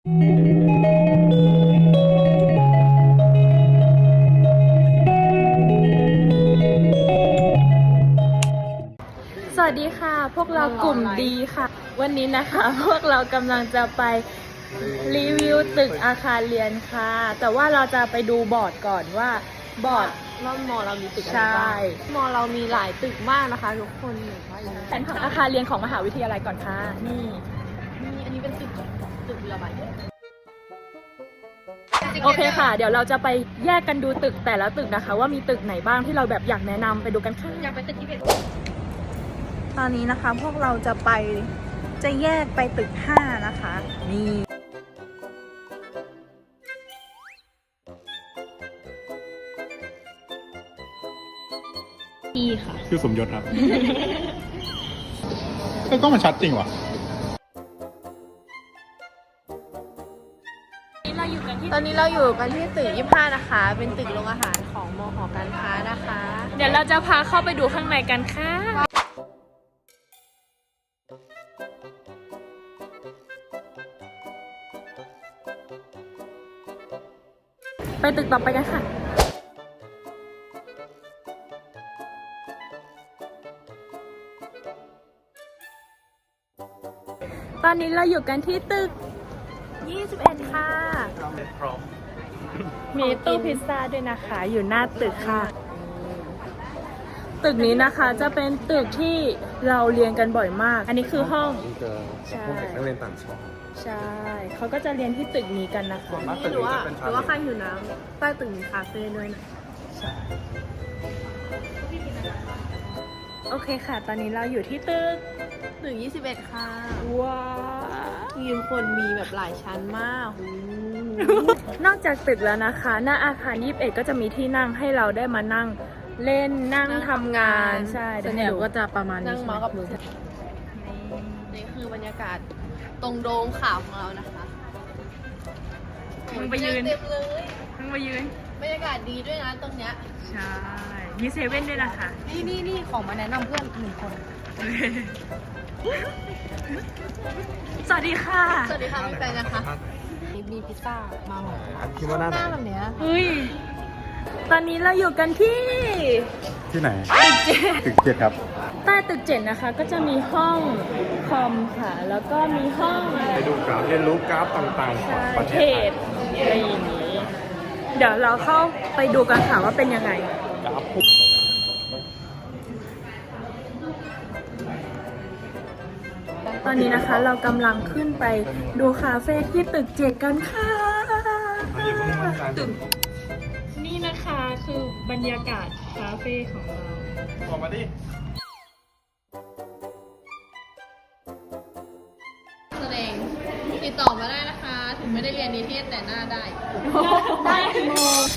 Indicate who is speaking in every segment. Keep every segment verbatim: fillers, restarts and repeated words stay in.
Speaker 1: สวัสดีค่ะพวกเรากลุ่มดีค่ะวันนี้นะคะพวกเรากำลังจะไปรีวิวตึกอาคารเรียนค่ะแต่ว่าเราจะไปดูบอร์ดก่อนว่าบอร์ด
Speaker 2: ว่ามอเรามีตึกอะไร
Speaker 1: ใช่
Speaker 2: บ้างมอเรามีหลายตึกมากนะคะทุกคนเห็นว่าอย่างนี้
Speaker 1: แผนผังอาคารเรียนของมหาวิทยาลัยก่อนค่ะนี่
Speaker 2: นี่อันนี้เป็นตึกตึกเรือใบ
Speaker 1: โอเคค่ะ เดี๋ยวเราจะไปแยกกันดูตึกแต่ละตึกนะคะ ว่ามีตึกไหนบ้างที่เราแบบอยากแนะนำไปดูกันค่ะ
Speaker 2: อยากไปตึกที่เป็น
Speaker 1: ตอนนี้นะคะพวกเราจะไปจะแยกไปตึกห้านะคะนี่อีค่ะ
Speaker 3: ชื่อสมยศครับ ก็ก็มันชัดจริงว่ะ
Speaker 2: ตอนนี้เราอยู่กันที่ตึกยี่สิบห้านะคะ เป็นตึกโรงอาหารของมหอการค้านะคะ
Speaker 1: เดี๋ยวเราจะพาเข้าไปดูข้างในกันค่ะไปตึกต่อไปกันค่ะตอนนี้เราอยู่กันที่ตึกยี่สิบเอ็ดค่ะมีตู้พิซซ่าด้วยนะคะ อยู่หน้าตึกค่ะ ตึกนี้นะคะจะเป็นตึกที่เราเรียนกันบ่อยมาก อันนี้คือห้องใช่นักเรียนต่างชาติใช่เขาก็จะเรียนที่ตึกนี้กันนะคะ
Speaker 2: นี่หรือว่าหรือว่าใครหิวน้ำใต้ตึกมีคาเฟ่ด้วยนะ
Speaker 1: โอเคค่ะ ตอนนี้เราอยู่ที่ตึก
Speaker 2: ตึกยี่สิบเอ็ดค่ะ
Speaker 1: ว้าว
Speaker 2: ยืนคนมีแบบหลายชั้นมาก
Speaker 1: นอกจากตึกแล้วนะคะ หน้าอาคารยี่สิบเอ็ดก็จะมีที่นั่งให้เราได้มานั่งเล่นนั่งทำงานใช่
Speaker 2: ส่วนใหญ่ก็จะประมาณนั่งเมาส์กับมือ
Speaker 1: นี่
Speaker 2: นี่คือบรรยากาศตรงโดมขาวของเรานะคะ
Speaker 1: มึงไปยืน
Speaker 2: เต็มเลย
Speaker 1: มึงมายืน
Speaker 2: บรรยากาศดีด้วยนะตรงเนี้ย
Speaker 1: ใช่มีเซเว่นด้วยนะคะ
Speaker 2: นี่นี่นี่ของมาแนะนำเพื่อนหนึ่งคน
Speaker 1: สวัสดีค่ะ
Speaker 2: สวัสดีค่ะพี่แปงนะคะมีพิซซ่ามาหมด
Speaker 3: คิดว่าหน้าไหน
Speaker 2: หน้าแบบเนี้ย
Speaker 1: เฮ้ยตอนนี้เราอยู่กันที่
Speaker 3: ที่ไหน
Speaker 1: ตึกเจ็ด
Speaker 3: ตึกเจ็ดครับ
Speaker 1: ใต้ตึกเจ็ดนะคะ ก็จะมีห้องคอมค่ะ แล้วก็มีห้องอะไร
Speaker 3: ไปดูกราฟเรียนรู้กราฟต่างๆของประเท
Speaker 1: เท
Speaker 3: ศไทย
Speaker 1: ศอะไรอย่างนี้ เดี๋ยวเราเข้าไปดูกันค่ะว่าเป็นยังไง
Speaker 3: กราฟ
Speaker 1: ตอนนี้นะคะเรากำลังขึ้นไปดูคาเฟ่ที่ตึกเจ็ดกันค่ะตึกนี่นะคะคือบรรยากาศคาเฟ่ของเรา
Speaker 3: ออกมาดิ
Speaker 2: แสดงติดต่อมาได้นะคะ ถึงไม่ได้เรียนนิเทศแต่หน้าได้
Speaker 1: ได้โม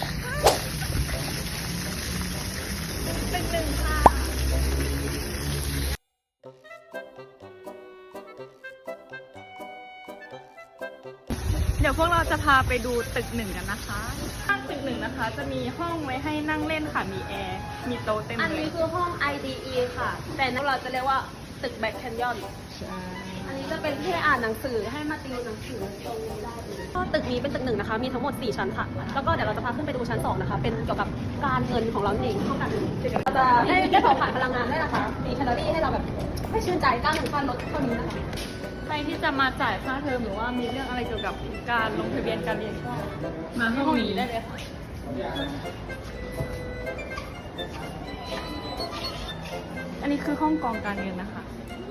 Speaker 1: เดี๋ยวพวกเราจะพาไปดูตึกหนึ่งกันนะคะข้างตึกหนึ่งนะคะ จะมีห้องไว้ให้นั่งเล่นค่ะ มีแอร์ มีโต๊ะเต็ม
Speaker 2: อัน
Speaker 1: เล
Speaker 2: นี้
Speaker 1: ย
Speaker 2: คือห้อง ไอ ดี อี ค่ะ แต่เราจะเรียกว่าตึกแบ็คแคนยอน อันนี้จะเป็นที่อ่านหนังสือให้มาติวหนังสือตรงนี้ได้เลยก็ตึกนี้เป็นตึกหนึ่งนะคะ มีทั้งหมดสี่ชั้นค่ะ แล้วก็เดี๋ยวเราจะพาขึ้นไปดูชั้นสองนะคะ เป็นเกี่ยวกับการเงินของเราเองห้องการเงินเราจะได้ได้เผาผลาญพลังงานด้วยนะคะ มีแคลอรี่ให้เราแบบให้ชื่นใจก้าวหนึ่งขั้นลดเท่านี้นะคะ
Speaker 1: ใครที่จะมาจ่ายค่าเทอมหรือว่ามีเรื่องอะไรเกี่ยวกับการลงทะเบียนการเรียนก็มาห้องนี้ได้เลยค่ะอันนี้คือห้องกองการเงินนะคะ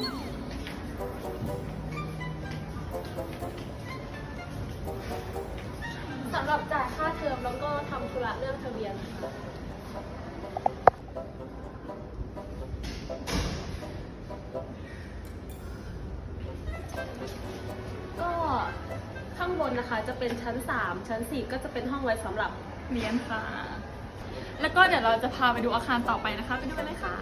Speaker 2: สำหรับจ่ายค่าเทอมแล้วก็ทำธุระเรื่องทะเบียนนะคะก็ข้างบนนะคะจะเป็นชั้นสามชั้นสี่ก็จะเป็นห้องไว้สำหรับ
Speaker 1: เรียนค่ะ แล้วก็เดี๋ยวเราจะพาไปดูอาคารต่อไปนะคะ ไปดูกันเลยค่ะ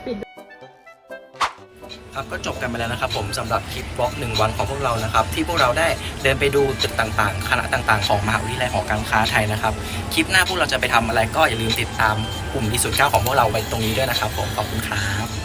Speaker 4: ครับก็จบกันไปแล้วนะครับผมสำหรับคลิปบล็อกหนึ่งวันของพวกเรานะครับที่พวกเราได้เดินไปดูตึกต่างๆคณะต่างๆของมหาวิทยาลัยหอการค้าไทยนะครับคลิปหน้าพวกเราจะไปทำอะไรก็อย่าลืมติดตามกลุ่มดีสุดเก้าของพวกเราไว้ตรงนี้ด้วยนะครับผมขอบคุณครับ